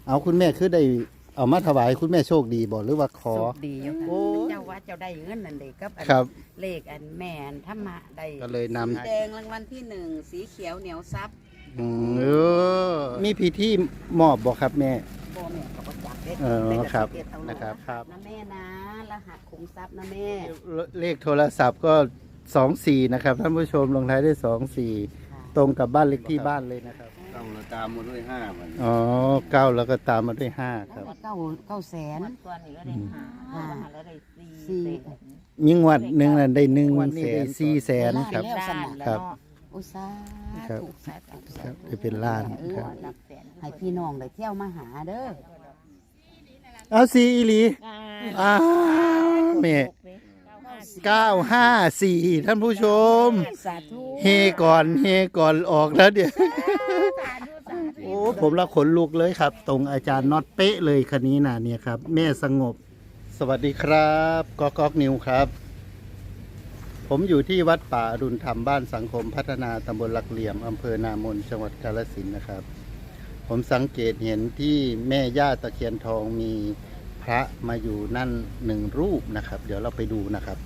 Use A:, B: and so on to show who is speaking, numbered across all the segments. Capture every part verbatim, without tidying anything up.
A: เอาคุณแม่คือได้เอามาถวายคุณแม่โชคดีบ่หรือว่าขอ
B: โชคดีอยู่ค่ะ
A: โอ้
B: เจ้าว่าเจ้าได้เงินนั่นเด็กกับอัน
A: ครับ
B: เลขอันแม่อันธรรมะได้
A: ก็เลยนำ
B: สีแดงรางวัลที่หนึ่งสีเขียวเหนียวซับ
A: อืมเออมีพิธีมอบบ่ครับแม่
B: โบแม่ก็บ่จักเด็ก
A: เออครับ
B: เด็กเอาลูก
A: นะครับครับ
B: นะแม่นะรหัสขุมทรัพย์นะแม่
A: เลขโทรศัพท์ก็สองสี่นะครับท่านผู้ชมลงท้ายด้วยสองสี่
B: ค่ะ
A: ตรงกับบ้านเลขที่บ้านเลยนะครับ
C: เก้าเราตามมาด้วยห้ามัน
A: อ๋อเก้าแล้วก็ตามมาด้วยห้าครับ
B: เก้าเก้าแสน
D: ตัวนี้ก็ได้ห้า
B: อ่า
D: แล้วได้สี่
B: สี่
A: ยิ่งวัดหนึ่งนั้นได้หนึ่งแสนสี่แสนครับ
B: แล้วส
D: ด้าน
B: นะ
D: แล้ว
A: ครับ
D: เนาะ
B: อุตสา
A: ครับ
B: ธุสาธุสา
A: ครับ
B: ธุ
A: จะเป็นล้าน
B: เออ
A: ครับ
D: หลักแสน
B: ให้พี่น้องได้เที่ยวมาหาเด้อ
A: เอาสี่อีหลี
D: อ่า
A: อ้าวแม่เก้าห้าสี่ท่านผู้ชม
B: สาธุ
A: เฮก่อนเฮก่อนออกแล้วเดี๋ยวโอ้ผมละขนลุกเลยครับ ตรงอาจารย์น็อตเป๊ะเลยคันนี้นะเนี่ยครับ แม่สงบ สวัสดีครับก๊อกก๊อกนิวครับ ผมอยู่ที่วัดป่าอรุณธรรมบ้านสังคมพัฒนาตำบลหลักเหลี่ยมอำเภอนามนจังหวัดกาฬสินธุ์นะครับ ผมสังเกตเห็นที่แม่ย่าตะเคียนทองมีพระมาอยู่นั่นหนึ่งรูปนะครับ เดี๋ยวเราไปดูนะครับ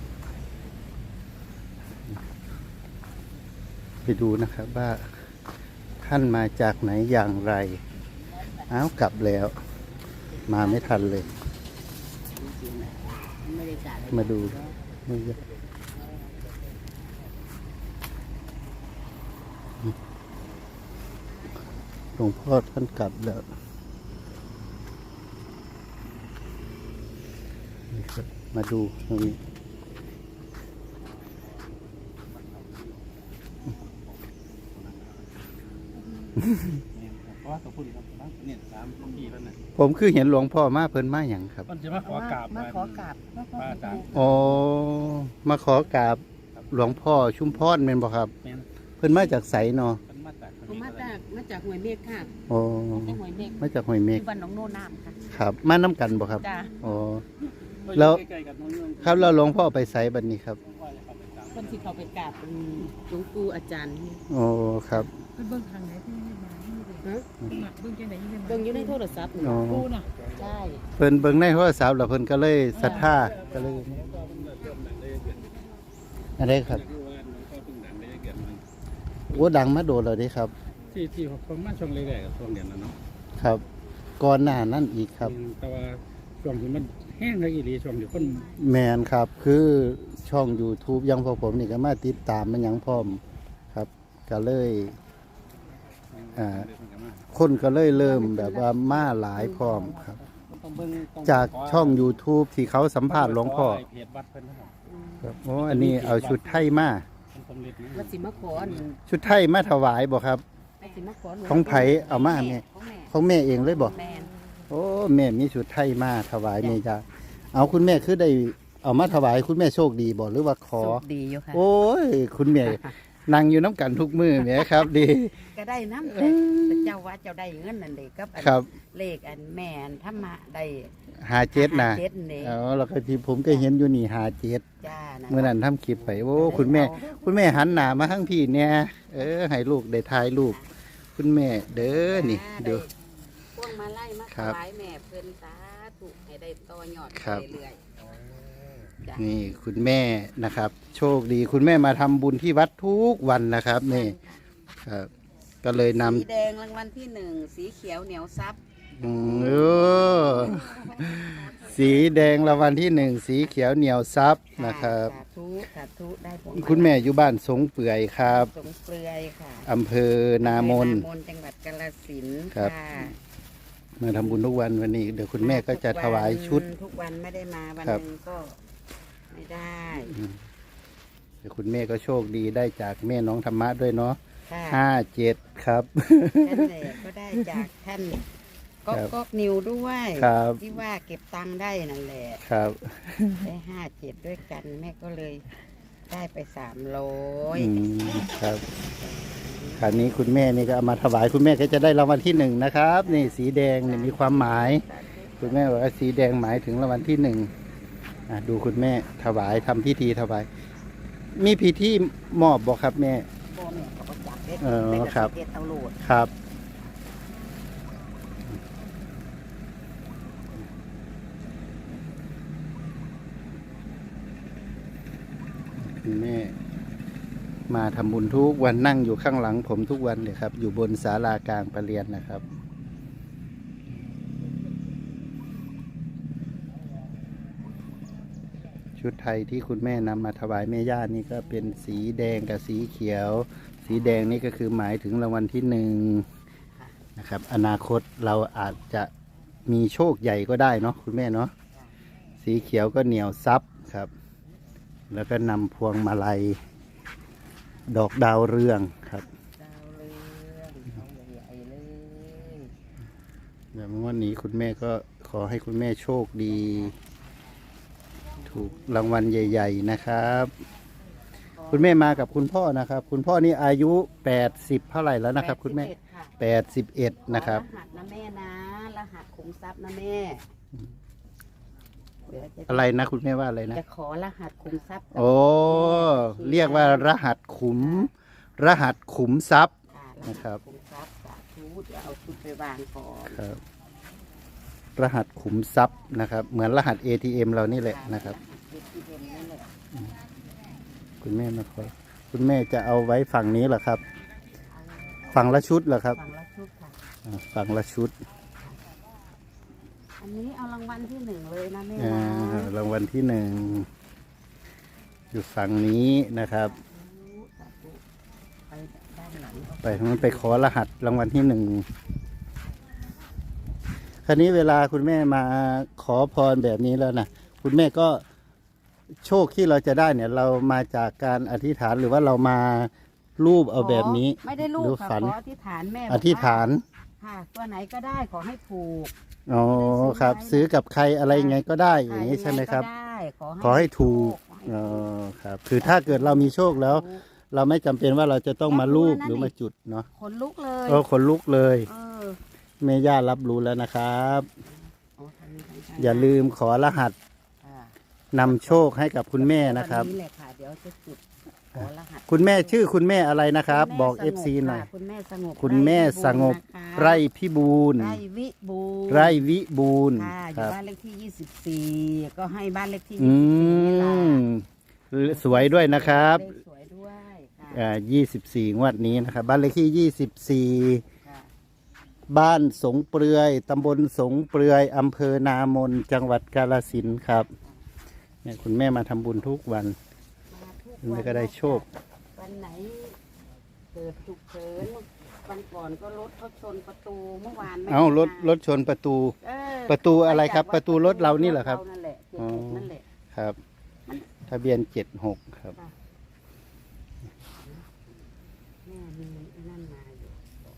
A: ไปดูนะครับว่าท่านมาจากไหนอย่างไรอ้าวกลับแล้ว มาไม่ทันเลย
B: ไม่ได้จ่าย
A: มาดูนี่ก็หลวงพ่อท่านกลับแล้วนี่ครับมาดูตรงนี้
C: เพราะว่าตัวพูดครับเนี่ยสามปีแล้วนะ
A: ผมคือเห็นหลวงพ่อมาเพิ่นมาอย่างครับ
C: มันจะมาขอกราบ
B: มาขอกราบ
C: ป้าอาจารย์
A: อ๋อมาขอกราบหลวงพ่อชุมพรเป็นบ่ครับ
C: แม่น
A: เพิ่นมาจากไสเนาะ
C: เป็นมาจาก
B: ผมมาจากมาจากห้วยเมฆค่ะ
A: อ๋อ
B: จากห้วยเมฆ
A: มาจากห้วยเมฆ
B: ที่บ้านหนองโนน้ำค่ะ
A: ครับ มาน้ำกันบ่ครับ
B: จ้า
A: อ๋อ แล้ว
C: ใกล้ๆกับน้องเรื่อง
A: ครับแล้วหลวงพ่อไปไสบัดนี้ครับ
B: คนที่เขาไปกราบอืมหลวงปู่อาจารย์
A: อ๋อครับ
D: เบื้องทางไหนที่ไม่ได้มาที่ไม่ได้
B: ฮะ
D: มาเบื้องจังไหนที่ไม่ได้มา
B: เบิ่งอยู่ในโทรศัพท์นี่
A: อ๋อ
D: กูน่ะ
B: ใช่
A: เพิ่นเบิ่งในโทรศัพท์แล้วเพิ่นก็เลยศรัทธาก็เลยอะไรครับ โอ้ดังมาโดนแล้วเด้ครับ
C: ที่ที่ผมมาช่วงแรกๆกับช่วงเดือนนั้นเนาะ
A: ครับ ก่อนหน้านั้นอีกครับ
C: แต่ว่าช่วงที่มันแห้งเลยอีหลีช่วงที่คน
A: แมนครับ คือช่อง YouTube ยังพอผมนี่ก็มาติดตามมันหยังพร้อมครับ ก็เลย อ่า คนก็เลยเริ่มแบบว่ามาหลายพร้อมครับ
C: ต้องเบิ่งต้อง
A: จากช่อง YouTube ที่เขาสัมภาษณ์หลวงพ่อ
C: เพจวัดเพิ่นนะครับ
A: ครับโอ้อันนี้เอาชุดไทยมา
C: เป็นสำเร็จนะ
B: วัดสิมาขออัน
A: ชุดไทยมาถวายบ่ครับ
B: วัดสิมาขอหลว
A: ของไผเอามาแม่
B: ของแม่
A: ของแม่เองเลยบ่
B: แม่
A: โอ้แม่มีชุดไทยมาถวายแม่จ้าเอาคุณแม่คือได้เอามาถวายคุณแม่โชคดีบ่หรือว่าขอ
B: โชคดีอยู่ค่ะ
A: โอ้ย คุณแม่นั่งอยู่น้ำกันทุกมือแหม่ครับ ดี
B: ก็ได้น้ำแต่แต่เจ้าว่าเจ้าได้เงินนั่นเด็กกับอัน
A: ครับ
B: เลขอันแม่อันธรรมะได้
A: หาเจ็ดนะ
B: ห้าเจ็ดนี่
A: อ๋อแล้วก็ที่ผมก็เห็นอยู่นี่หาเจ็ด
B: จ้านะ
A: เมื่อนั้นทำคลิปไปโอ้คุณแม่ คุณแม่หันหน้ามาทั้งพี่เนี่ยเออให้ลูกได้ถ่ายรูปคุณแม่เด้อนี่เด้อ
B: พวงมาไล่มา
A: ครั
B: ถ
A: บ
B: วายแม่เพิ่นสาธุให้ได้ต่อยอด
A: ครับ
B: ไปเรื่อยๆจ้ะ
A: นี่คุณแม่นะครับ โชคดีคุณแม่มาทำบุญที่วัดทุกวันนะครับนี่ครับ ก็เลยนำ
B: สีแดงรางวัลที่หนึ่งสีเขียวเหนียวซับ
A: อืมเออสีแดงรางวัลที่หนึ่งสีเขียวเหนียวซับนะครับ
B: สาธุสาธุได้ผล
A: คุณแม่อยู่บ้านสงเปื่อยครับ
B: สงเปลือยค่ะ
A: อำเภอนามน
B: นามนจังหวัดกาฬสินธุ์
A: ครับ
B: ค่ะ
A: มาทำบุญทุกวันวันนี้เดี๋ยวคุณแม่ก็จะถวายชุด
B: ทุกวันไม่ได้มาวัน
A: ครับ
B: หนึงก็ไม่ได้
A: เดี๋ยวคุณแม่ก็โชคดีได้จากแม่น้องธรรมะด้วยเนาะ
B: ค่ะ
A: ห้าเจ็ดครับ
B: ท่านแหละก็ได้จากท่านก๊อก
A: ครับ
B: ก๊อกนิวด้วย
A: ครับ
B: ที่ว่าเก็บตังค์ได้นั่นแหละ
A: ครับ
B: ได้ห้าเจ็ดด้วยกันแม่ก็เลยได้ไปสามร้อย
A: อืมครับคราวนี้คุณแม่นี่ก็เอามาถวายคุณแม่ก็จะได้รางวัลที่หนึ่งนะครับ นี่สีแดงนี่มีความหมาย คุณแม่บอกว่าสีแดงหมายถึงรางวัลที่หนึ่งอ่ะดูคุณแม่ถวายทำพิธีถวาย มีพิธีมอบบอกครับแม่
B: พ่อแม่ก็บ่จักเด็ด
A: เออ
B: แม่ก็
A: ครับ
B: สิเด็ดเอาโหลด
A: ครับคุณแม่มาทำบุญทุกวันนั่งอยู่ข้างหลังผมทุกวันเลยครับ อยู่บนศาลากลางประเรียนนะครับ ชุดไทยที่คุณแม่นำมาถวายแม่ย่านี่ก็เป็นสีแดงกับสีเขียว สีแดงนี่ก็คือหมายถึงรางวัลที่หนึ่งนะครับ อนาคตเราอาจจะมีโชคใหญ่ก็ได้เนาะคุณแม่เนาะสีเขียวก็เหนียวซับครับ แล้วก็นำพวงมาลัยดอกดาวเรืองครับ
B: ดาวเรืองเอาใหญ่ๆเลย
A: อย่างวันนี้คุณแม่ก็ขอให้คุณแม่โชคดี ถูกรางวัลใหญ่ๆนะครับ คุณแม่มากับคุณพ่อนะครับ คุณพ่อนี่อายุแปดสิบเท่าไหร่แล้วนะครับ คุณแม่
B: แปดสิบเอ็ดค่ะ
A: แปดสิบเอ็ดนะครับ
B: ขอรหัสนะแม่นะรหัสขุมทรัพย์นะแม่เดี๋ยวจะ
A: อะไรนะคุณแม่ว่าอะไรนะ
B: จะขอรหัสขุมทรัพย์กับ
A: โอ้เรียกว่ารหัสขุม รหัสขุมทรัพย์
B: ค่ะ
A: นะครับ
B: ขุมทรัพย์สาธุเดี๋ยวเอาชุดไปวางก่อน
A: ครับ รหัสขุมทรัพย์นะครับ เหมือนรหัส เอ ที เอ็ม เรานี่แหละนะครับ
B: เด็กที่เด่นนั่นแหละ
A: คุณแม่มาขอคุณแม่จะเอาไว้ฝั่งนี้เหรอครับ ฝั่งละชุดเหรอครับ
B: ฝั่งละชุดค่ะ
A: อ่าฝั่งละชุด
B: อันนี้เอารางวัลที่หนึ่งเลยนะแม่
A: อ่า
B: นะ
A: รางวัลที่หนึ่งอยู่ฝั่งนี้นะครับ
B: สาธุไปด้านหลัง
A: ไปทางนั้นไปขอรหัสรางวัลที่หนึ่งคราวนี้เวลาคุณแม่มาขอพรแบบนี้แล้วนะคุณแม่ก็โชคที่เราจะได้เนี่ย เรามาจากการอธิษฐานหรือว่าเรามารูปเอาแบบนี้
B: ไม่ได้ลูก
A: หรือ
B: ค่ะ
A: ฝัน
B: ขออธิษฐานแม่บก
A: อ
B: ว่า
A: ธิษฐาน
B: ค่ะตัวไหนก็ได้ขอให้ถูก
A: อ๋อครับ ซื้อกับใครอะไรยังไงก็ได้อย่างนี้ใช่ไหมครับ
B: ยังงก็ได้ขอให้
A: ขอให้ถูก
B: ขอให้
A: อ๋อ
B: ถูก
A: ครับ คือถ้าเกิดเรามีโชคแล้ว
B: ถูก
A: เราไม่จำเป็นว่าเราจะต้องมารูป
B: แล้ว
A: หรือ
B: นั่น
A: มา
B: นี่
A: จุดเนาะ
B: ขนลุกเลย
A: ก็ขนลุกเลย
B: เออ
A: แม่ย่ารับรู้แล้วนะครับ
B: อ๋อทางนี้ทางนี้
A: อย่าลืมขอรหัส
B: ค่ะ
A: นำโชคให้กับคุณแม่นะครับ
B: วันนี้แหละค่ะเดี๋ยวจะจุดขอรหัส
A: คุณแม่ชื่อคุณแม่อะไรนะครับ
B: คุณแม่
A: บอก
B: ส
A: เอง ฟ
B: บ
A: ซีหน่อย
B: ค่ะคุณแม่สงบ
A: คุณแม่สงบ
B: ไร่พิบูลย์
A: ไร่พิบูลย์
B: นะคะไร่วิบูลย์
A: ไร่วิบูลย์
B: ค่ะอ
A: ค
B: ยู่
A: รับ
B: บ้านเลขที่ยี่สิบสี่ก็ให้บ้านเลขที่
A: อื
B: ยี่สิบสี่นี่ล่ะ
A: มสวยด้วยนะครับ
B: เลขสวยด้วยค่ะ
A: อ่ายี่สิบสี่งวดนี้นะครับ บ้านเลขที่ยี่สิบสี่
B: ค่ะ
A: บ้านสงเปลือยตำบลสงเปลือยอำเภอนามนจังหวัดกาฬสินธุ์ครับเนี่ยคุณแม่มาทำบุญทุกวัน
B: มาทุก
A: คุณแม่ก็ได้โชค
B: วันไหนเกิดฉุกเฉินวันก่อนก็รถเขาชนประตูเมื่อวานไม่
A: เอ้ารถ
B: มาร
A: ถชนประตู
B: เออ
A: ประตูอะไรครับ
B: มาจาก
A: ประตูรถเรานี่เหรอครับ
B: ถนั่นแหละเจ็ด
A: อ๋อ
B: หกนั่นแหละ
A: ครับ ทะเบียนเจ็ดหกครับ
B: ค่ะ แม่มีไอ้นั่นมาอยู่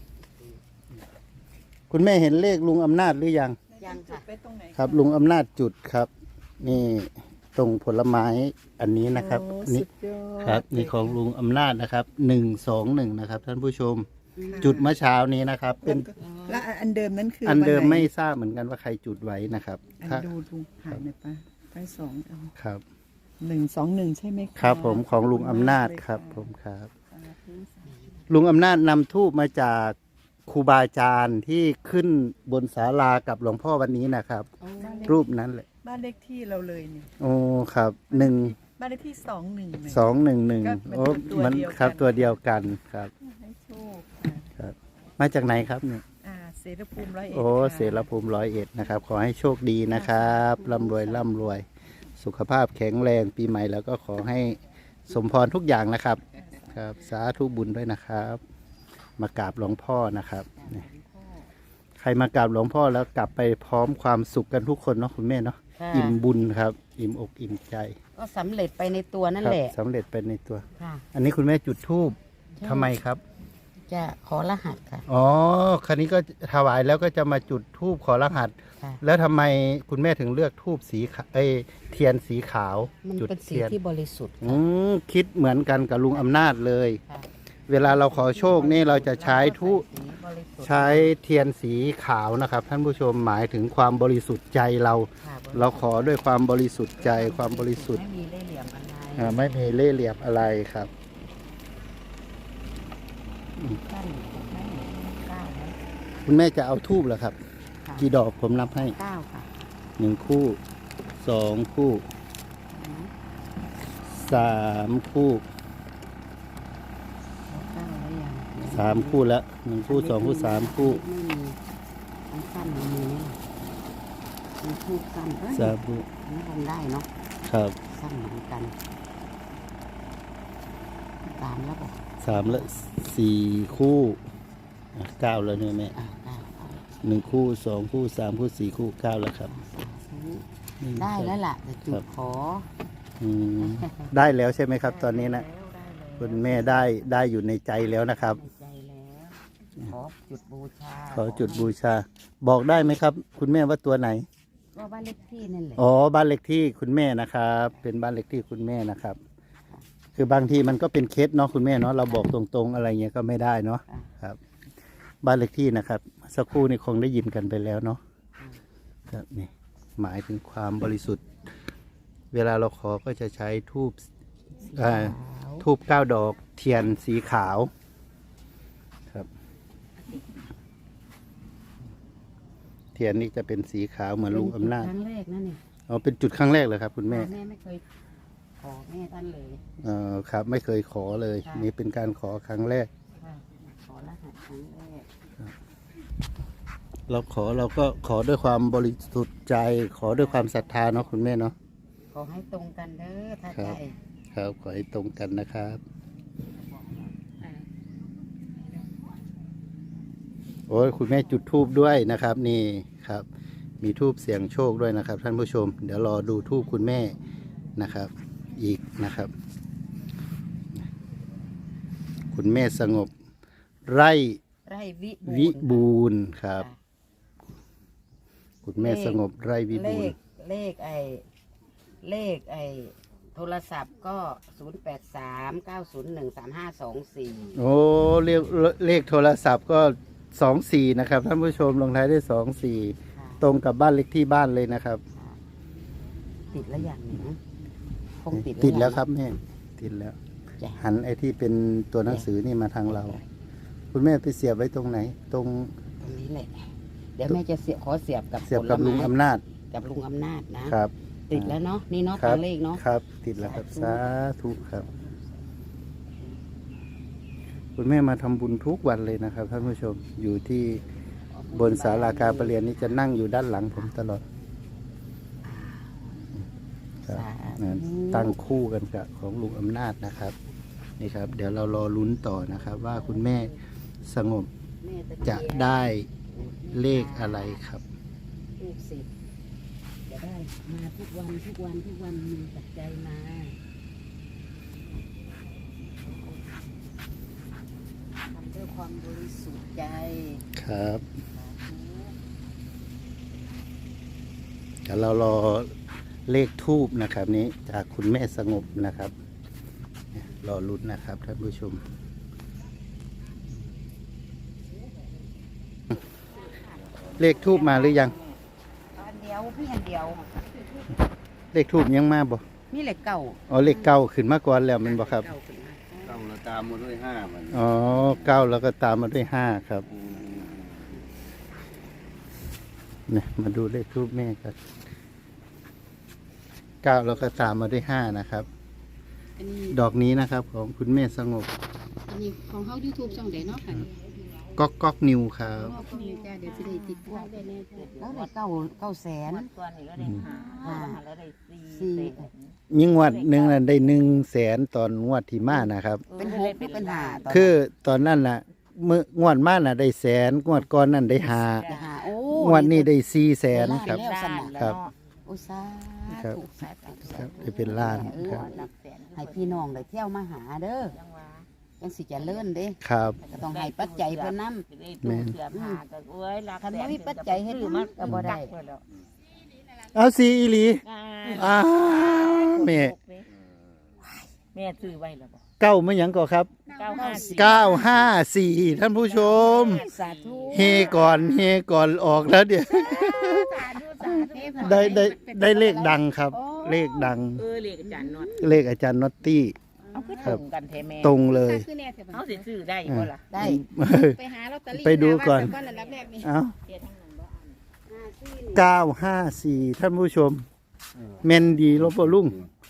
A: คุณแม่เห็นเลขลุงอำนาจหรือยัง
B: ยังค่ะ
D: ไปตรงไหน
A: ครับ ลุงอำนาจจุดครับ นี่ตรงผลไม้อันนี้นะครับ
D: โอ้
A: นี่
D: สุดยอด
A: ครับนี่ของลุงอำนาจนะครับหนึ่งสองหนึ่งนะครับ ท่านผู้ชม จุดเมื่อเช้านี้นะครับ เป็น
D: และอันเดิมนั้นคือ
A: อั
D: อั
A: นเดิมไม่ทราบเหมือนกันว่าใครจุดไว้นะครับ
D: อัน
A: ถ้า
D: ดูดูหายหน่อยปะไปสองเอา
A: ครับ
D: หนึ่งสองหนึ่งใช่ไหมะ
A: ครับผมของลุงอำนาจครับ ผมครับ ลุงอำนาจนำทูบมาจากครูบาอาจารย์ที่ขึ้นบนศาลากับหลวงพ่อวันนี้นะครับ รูปนั้นแหละ
D: บ้านเลขที่เราเลยเนี่ย
A: โอ้ครับหนึ่ง
D: บ้านเลขที่สองหนึ่ง
A: สองหนึ่งหนึ่ง
D: ก็
A: โอ้
D: มัน
A: มัน
D: ตัวเดียวกัน
A: ครับตัวเดียวกันครับ
D: ให้โชคค่ะ
A: ครับ มาจากไหนครับเนี่ย
D: อ่าเสรภูมิร้อยเอ็ด
A: โอ้
D: ค่ะ
A: เสรภูมิร้อยเอ็ดนะครับ ขอให้โชคดีนะครับร่ำรวยร่ำรวย สุขภาพแข็งแรงปีใหม่แล้วก็ขอให้สมพรทุกอย่างนะครับ ครับสาธุบุญด้วยนะครับ มากราบหลวงพ่อนะครับนี่ใครมากราบหลวงพ่อแล้วกลับไปพร้อมความสุขกันทุกคนเนาะคุณแม่เนาะ
B: ค่ะ
A: อิ่มบุญครับ อิ่มอกอิ่มใจ
B: ก็สำเร็จไปในตัวนั่น
A: ครั
B: แหละ
A: สำเร็จไปในตัว
B: ค่ะ
A: อันนี้คุณแม่จุดธูปทำไมครับ
B: จะขอรหัสค่ะ
A: อ๋อคันนี้ก็ถวายแล้วก็จะมาจุดธูปขอรหัส
B: ค่ะ
A: แล้วทำไมคุณแม่ถึงเลือกธูปสีขาวเอ้ยเทียนสีขาว
B: มัน
A: จุด
B: เป็นสี
A: เทียน
B: ที่บริสุทธิ์
A: อืมคิดเหมือนกันกับลุงอำนาจเลย
B: ค่ะ
A: เวลาเราขอโชคนี่เราจะใช้ทุ
B: สีบริสุทธิ์
A: ใช้เทียนสีขาวนะครับ ท่านผู้ชมหมายถึงความบริสุทธิ์ใจเรา
B: ค่ะ
A: เราขอด้วยความบริสุทธิ์ใจความบริสุทธิ์
B: ไม่มีเล่ห์เหลี่ยมอะไร
A: อ่าไม่มีเล่ห์เหลี่ยมอะไรครับ
B: นั่นนั่นเก้าแล้ว
A: คุณแม่จะเอาทูบเหรอครับ
B: ค่ะ
A: กี่ดอกผมนับให้
B: เก้าค่ะ
A: หนึ่งคู่สองคู่สสามคู่
B: เก้าแล้วยัง
A: สามคู่แล้วหนึ่งคู่สองคู่สามคู่
B: ไม่มีอันสั้นมันมีไหมล่ะมันคู่สั้นเอ้ย
A: สามคู่
B: อันนี้คงได้เนาะ
A: ครับ
B: สั้นเหมือนกันสามแล้วบอก
A: สามและสี่คู่อ่ะเก้าแล้วเนี่ยแม่
B: อ่าเก้าเอา
A: หนึ่งคู่สองคู่สามคู่สี่คู่เก้าแล้วครับ
B: ได้แล้วล่ะแต่จุดขอ
A: อืมได้แล้วใช่ไหมครับ ตอนนี้นะคุณแม่ได้ได้อยู่ในใจแล้วนะครับ
B: ในใจแล้วขอจุดบูชา
A: ขอจุดบูชา บอกได้ไหมครับ คุณแม่ว่าตัวไหน
B: ก็บ้านเลขที่นั่นแหละ
A: อ๋อบ้านเลขที่คุณแม่นะครับ เป็นบ้านเลขที่คุณแม่นะครับ คือบางทีมันก็เป็นเคสเนาะคุณแม่เนาะเราบอกตรงๆอะไรเงี้ยก็ไม่ได้เนาะครับ บ้านเลขที่นะครับ สักครู่นี่คงได้ยินกันไปแล้วเนาะครับนี่หมายถึงความบริสุทธิ์ เวลาเราขอก็จะใช้ทูบอ่าทูบเก้าดอกเทียนสีขาวครับ เทียนนี่จะเป็นสีขาวเหมือนลุงอำนาจ
B: ครั้งแรกนั่นนี่
A: อ๋อเป็นจุดครั้งแรกเลยครับ คุณแม่
B: แม่ไม่เคยขอแม่ท่านเลย
A: เอ่อครับไม่เคยขอเลย
B: ค่ะ
A: นี่เป็นการขอครั้งแรก
B: ค่ะขอรหัสครั้งแรก
A: เราขอเราก็ขอด้วยความบริสุทธิ์ใจ ขอด้วยความศรัทธาเนาะคุณแม่เนาะ
B: ขอให้ตรงกันเด้อถ้า
A: ครั
B: ใจ
A: บ ครับขอให้ตรงกันนะครับ
B: อ่า
A: โอ้ยคุณแม่จุดทูบด้วยนะครับ นี่ครับ มีทูบเสียงโชคด้วยนะครับ ท่านผู้ชม เดี๋ยวรอดูทูบคุณแม่นะครับ อีกนะครับ คุณแม่สงบไร่
B: ไร่วิ
A: วิ
B: บูรณ์
A: บูรณ์ครับ คุณแม่สงบไร่วิ
B: เล
A: บูร
B: ข
A: ณ์
B: เลขไอเลขไอโทรศัพท์ก็ศูนย์แปดสามเก้าศูนย์หนึ่งสามห้าสองสี่
A: โอ้เลขเลขโทรศัพท์ก็สองสี่นะครับท่านผู้ชมลงท้ายด้วยสองสี่ตรงกับบ้านเลขที่บ้านเลยนะครับ
B: ติดแล้วอย่างหนึ่งคงติด
A: ติดแล้ว
B: ยัง
A: ครับแม่ติดแล้ว
B: จ้ะ
A: หันไอ้ที่เป็นตัวหนังสือนี่มาทางเรา คุณแม่ไปเสียบไว้ตรงไหน ตรง
B: ตรงนี้แหละ เดี๋ยวแม่จะเสียบขอเสียบกับ
A: เสียบกับ
B: ผไม้
A: ลุงอำนาจ
B: กับลุงอำนาจนะครับ ติดแล้วเนาะนี่เนาะ
A: ครั
B: ตั
A: บ
B: วเลขเนาะ
A: ครับ ติดแล้วครับ
B: สา
A: สา
B: ธุ
A: ธุครับ คุณแม่มาทำบุญทุกวันเลยนะครับท่านผู้ชมอยู่ที่บนศาลาการประเรียนนี่จะนั่งอยู่ด้านหลังผมตลอดครับ
B: สา
A: นะ
B: ธุ
A: ตั้งคู่กันกับของลุงอำนาจนะครับ นี่ครับ เดี๋ยวเรารอลุ้นต่อนะครับ ว่าคุณแม่สงบ
B: แม่ตเคียน
A: จะได้เลขอะไรครับ
B: ลูกศิษย์จะได้มาทุกวันทุกวันทุกวันมีปัจจัยมาทำด้วยความบริสุทธิ์ใจ
A: ครับเดี๋ยวเรารอเลขทูบนะครับ นี้จากคุณแม่สงบนะครับเนี่ยรอลุ้นนะครับท่านผู้ชม เลขทูบมาหรือยัง
B: อันเดียวพี่อันเดียว
A: เลขทูบยังมาบ่
B: นี่แหละเก่า
A: อ๋อเลขเก้าขึ้นมาก่อนแล้วแมันบ่ครับ
B: เก่าขึ้นมา
C: ต้องเราตามมาด้วยห้ามัน
A: อ๋อเก้าแล้วก็ตามมาด้วยห้าครับเนี่ยมาดูเลขทูบแม่กันเก้าแล้วก็ตามมาด้วยห้านะครับ
B: อันนี้
A: ดอกนี้นะครับของคุณแม่สงบ
B: อันนี้ของเขา YouTube ช่องใดเนาะค่ะ
A: ก๊อกก๊อกนิวครับ
B: ขอบคุณจ้าเดี๋ยวจะได้ติดพวกได้แน่แล้วได้เก้าเก้าแสน
E: ก่อนนี่ก็ได้หา
B: ห้า
E: แล้วได้สี่
B: สี่
E: เต็ม
A: ยิ่งงวดหนึ่งนั้นได้หนึ่งแสนตอนงวดที่มานะครับ
B: เป็นหกหรือเป็นห้าตน
A: คือตอนนั้นน่ะเมื่องวดมาน่ะได้แสนงวดก่อนนั้นได้ห้า
B: จะหาโอ้
A: งวดนี้ได้สี่แสนครับ
B: แล้วสนะ
A: ครับ
B: โอ้สา
A: ครับ
B: ธุสาธุสา
A: ครับ
B: ธุ
A: ได้เป็นล้าน
B: เออ
A: ครับ
E: หลักแสน
B: ให้พี่น้องได้เที่ยวมาหาเด้อ
E: จังหวะ
B: จังสิเจะเลื่อนเด้
A: ครับ
B: ก็ต้องให้ปัจจัยเพิ่นนำ
E: ได้ตู้เสื้อผ้าก็โอ้ยหลัก
B: คัน
E: แส
B: บ่
E: น
B: มีปัจจัยเฮ็ด
E: ซื้อ
B: มั
E: มาน
B: ก็บ่ได้
A: เอาสีอีหลี
E: อ่า
A: อ้าวแม่
E: แม่ซื้อไว้แล้วบ่
A: เก้าไม่หยังก่อครับ
E: เก้าห้าสี่
A: เก้าห้าสี่ท่านผู้ชม
B: สาธุ
A: เฮก่อนเฮก่อนออกแล้วเดี๋ยว
E: สาธุสาธุ
A: ได้ได้ได้เลขดังครับ เลขดัง
E: เออเลขอาจารย์นวด
A: เลขอาจารย์น็อตตี้
E: เอาคือตรงกันแท้แม่
A: ตรงเลย
E: เอาสิซื้อได้บ่ล่ะ
B: ได้
F: ไปหาลอตเตอรี่
A: ไปดูก่อน
F: หาวัดก่อนอันดับแรกนี่
A: เอา
E: เทียทั้งนั้นบ่อัน
A: เก้าห้าสี่ท่านผู้ชมเมนดีลบลุง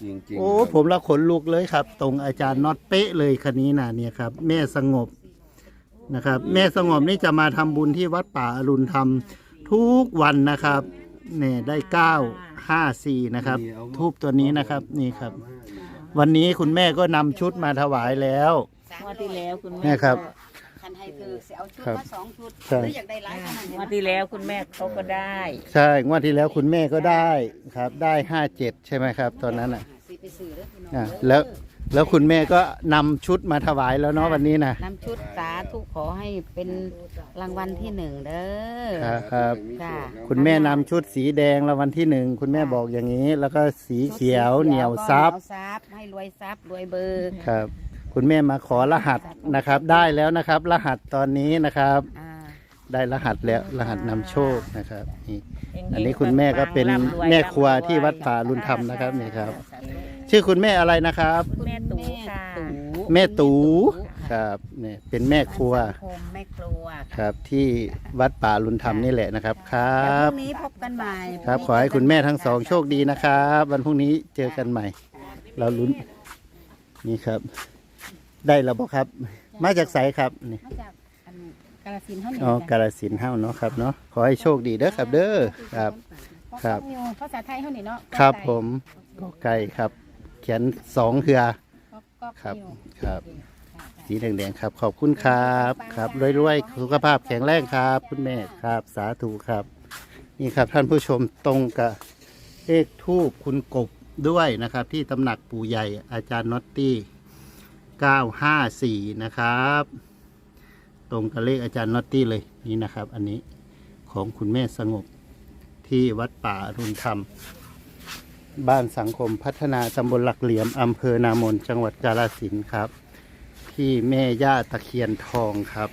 G: จริงๆ
A: โอ้
G: ครับ
A: ผมละขนลุกเลยครับ ตรงอาจารย์น็อตเป๊ะเลยคันนี้นะเนี่ยครับ แม่สงบนะครับ แม่สงบนี่จะมาทำบุญที่วัดป่าอรุณธรรมทุกวันนะครับเนี่ยได้เก้าห้าสี่นะครับทูบตัวนี้นะครับนี่ครับ วันนี้คุณแม่ก็นำชุดมาถวายแล้ว
E: งวดที่แล้วคุณ
A: เนี่
E: แม่
A: ยครับ
B: คันให้คือเสียเอาชุด
A: ครับ
B: มาสองชุด
A: ใช่
B: หรืออยากได้หลายขนาด
E: ง
B: นี้
E: วดที่แล้วคุณแม่เขาก็ได้
A: ใช่งวดที่แล้วคุณแม่ก็ได้ครับ ได้ห้าเจ็ดใช่ไหมครับ ตอนนั้นอ่ะ
B: สิไปซื้อเด้อพี่น้อง
A: อ่ะ
B: เด้อ
A: แล้วแล้วคุณแม่ก็นำชุดมาถวายแล้วเนาะวันนี้นะ
B: นำชุดสาธุขอให้เป็นรางวัลที่หนึ่งเด้อ
A: ครับครับ
B: จ้า
A: คุณแม่นำชุดสีแดงรางวัลที่หนึ่งคุณแม่บอกอย่างนี้ แล้วก็สีเขียวเหนียวซับ
B: เหนียวซับให้รวยซับรวยเบอร์
A: ครับ คุณแม่มาขอรหัสนะครับ ได้แล้วนะครับ รหัสตอนนี้นะครับ
B: อ่า
A: ได้รหัสแล้วรหัสนำโชคนะครับนี่
E: เฮงๆ
A: อันนี้คุณแม่ก็เป็น
E: ร่ำรวย
A: แม่ครัว
E: ร่ำรวย
A: ที่วัดป่าอรุณธรรมนะครับนี่ครับ ชื่อคุณแม่อะไรนะครับ
E: แม่ตู่ค่ะ
A: แม่ตูครับเนี่ยเป็นแม่ครัว
B: สังคมแม่ครัว
A: ครับ ที่วัดป่าอรุณธรรมนี่แหละนะครับครั
B: แล้วพ
A: บ
B: รุ่งนี้พบกันใหม่
A: ครับ ขอให้คุณแม่ทั้งสองโชคดีนะครับ วันพรุ่งนี้เจอกันใหม่ เราลุ้นนี่ครับ ได้แล้วบ่ครับ มาจากไสครับนี่
F: มาจากอันกาฬสินธุ์เท่านี้
A: อ๋อกาฬสินธุ์เฮาเนาะครับเนาะขอให้โชคดีเด้อครับ เด้อครับ ครับ
F: ภาษาไทยเท่านี้เนาะ
A: ครับผมก็ไก่ครับ เขียนสองเหือ
F: ก็ก็
A: ครับ
F: นิว
A: ครับ สีแดงๆครับ ขอบคุณครับครับรวยๆสุขภาพแข็งแรงครับ คุณแม่ครับ สาธุครับ นี่ครับท่านผู้ชมตรงกับเลขทูบคุณกบด้วยนะครับ ที่ตำหนักปู่ใหญ่อาจารย์น็อตตี้เก้าห้าสี่นะครับ ตรงกับเลขอาจารย์น็อตตี้เลยนี่นะครับ อันนี้ของคุณแม่สงบที่วัดป่าอรุณธรรม บ้านสังคมพัฒนาตำบลหลักเหลี่ยมอำเภอนามนจังหวัดกาฬสินธุ์ครับ ที่แม่ย่าตะเคียนทองครับ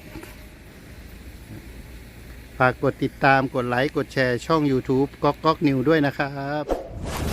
A: ฝากกดติดตามกดไลค์ กดแชร์ช่อง YouTube ก๊อกก๊อกนิวด้วยนะครับ